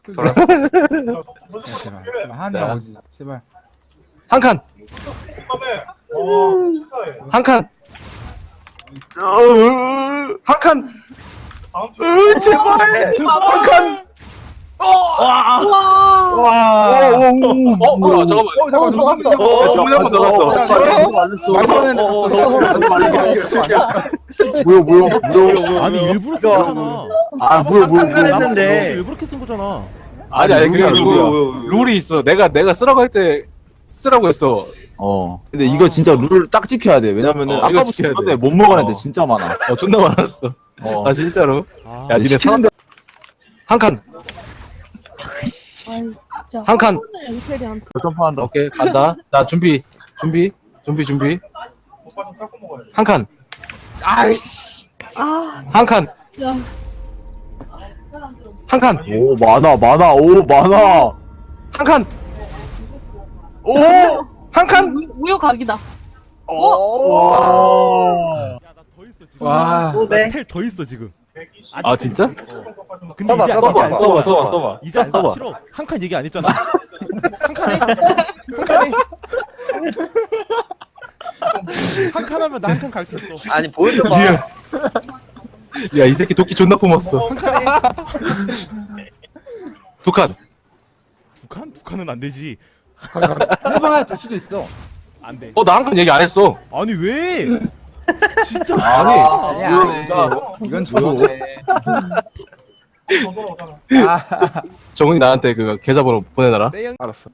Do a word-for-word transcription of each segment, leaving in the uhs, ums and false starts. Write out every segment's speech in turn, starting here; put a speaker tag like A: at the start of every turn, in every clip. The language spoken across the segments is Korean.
A: 돌았어.
B: 야, 제발. 제발 하나
C: 자.
B: 나오지. 제발.
C: 한 칸. 한 칸. 한 칸. 제발. 한 칸.
D: 와.
C: 어, 뭐야, 잠깐만.
B: 어, 잠깐만.
D: 들어갔어.
C: 어, 정훈이 한번 더 갔어.
B: 말판에 갔어.
E: 뭐야 뭐야 뭐야
F: 아니 일부러 쓴 거잖아.
E: 아 뭐야 뭐야 뭐야
F: 했는데 일부러 이렇게 쓴 거잖아.
C: 아니, 아니, 그게 아니고,
E: 룰이
C: 룰이 있어. 내가, 내가 쓰라고 할 때, 쓰라고 했어.
E: 어 근데 이거 진짜 룰 딱 지켜야 돼 왜냐면은
C: 어, 이거
E: 아까부터
C: 지켜야 돼.
E: 봤는데 못 먹은 애들
C: 어.
E: 진짜 많아
C: 어, 존나 많았어.
E: 어
C: 아, 진짜로.
F: 아,
C: 야, 니네 사,
E: 시키는데
C: 한 칸.
D: 아이 진짜.
C: 한 칸.
D: 엠페리한테.
E: 점프한다
C: 오케이, 간다. 나 준비. 준비. 준비, 준비. 한 칸. 아이씨.
D: 아
C: 한 칸.
D: 야.
C: 한 칸.
E: 오 많아 많아 오 많아
C: 한 칸.
E: 오
C: 한 칸.
D: 우- 우유각이다.
E: 와
F: 야나더 있어 지금.
B: 와.
F: 텔더 있어 지금.
C: 아, 진짜?
F: 근데
A: 써봐,
F: 이제
A: 써봐,
F: 이제 안
A: 써봐,
F: 써.
A: 써봐, 써봐.
F: 이제 안 써.
A: 써봐.
F: 싫어. 한 칸 얘기 안 했잖아. 한 칸에 한 칸에 한 칸 하면 나 한 칸 갈 수 있어.
A: 아니 보여줘봐.
C: 야, 이 새끼 도끼 존나 뽑았어.
F: 한 칸에
C: 두 칸.
F: 두 칸? 두 칸은 안 되지.
B: 해봐야 될 수도 있어.
F: 안 돼.
C: 어, 나 한 칸 얘기 안 했어.
F: 아니 왜? 진짜.
C: 아니.
B: 아니야. 아니야. 이건 조용해. 아,
C: 정훈이 나한테 그 계좌번호 보내놔라.
F: 내 형.
C: 알았어.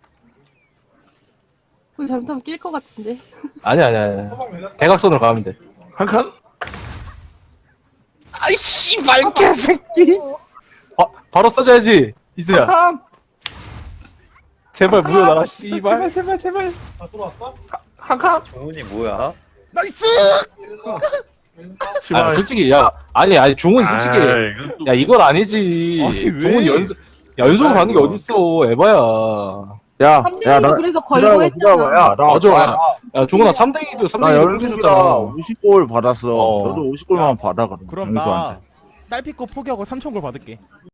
D: 그거 잘못하면 낄 것 같은데.
C: 아니야, 아니야, 아니야. 대각선으로 가면 돼. 한 칸? 아이, 씨발, 개새끼. 바, 바로 써줘야지, 이수야. 제발 물어놔라, 씨발.
B: 제발, 제발.
C: 한 칸?
A: 정훈이 뭐야?
F: 나이스.
C: 아, 솔직히, 야, 아니, 아니, 종훈 솔직히. 야, 이건 아니지.
F: 아니, 왜?
C: 종훈 연속, 야, 연속으로 가는 게 어딨어, 에바야.
E: 야야나
D: 삼대이도 그래서 걸고 했잖아.
E: 야나
C: 맞아. 야, 야, 종훈아, 삼 대 이도 삼
E: 나
C: 대 이도
E: 열두
C: 줬잖아.
E: 라 오십 골 받았어
C: 어.
E: 저도 오십 골만 받아 그럼
F: 그럼 나 딸피 거 포기하고 삼천 골 받을게.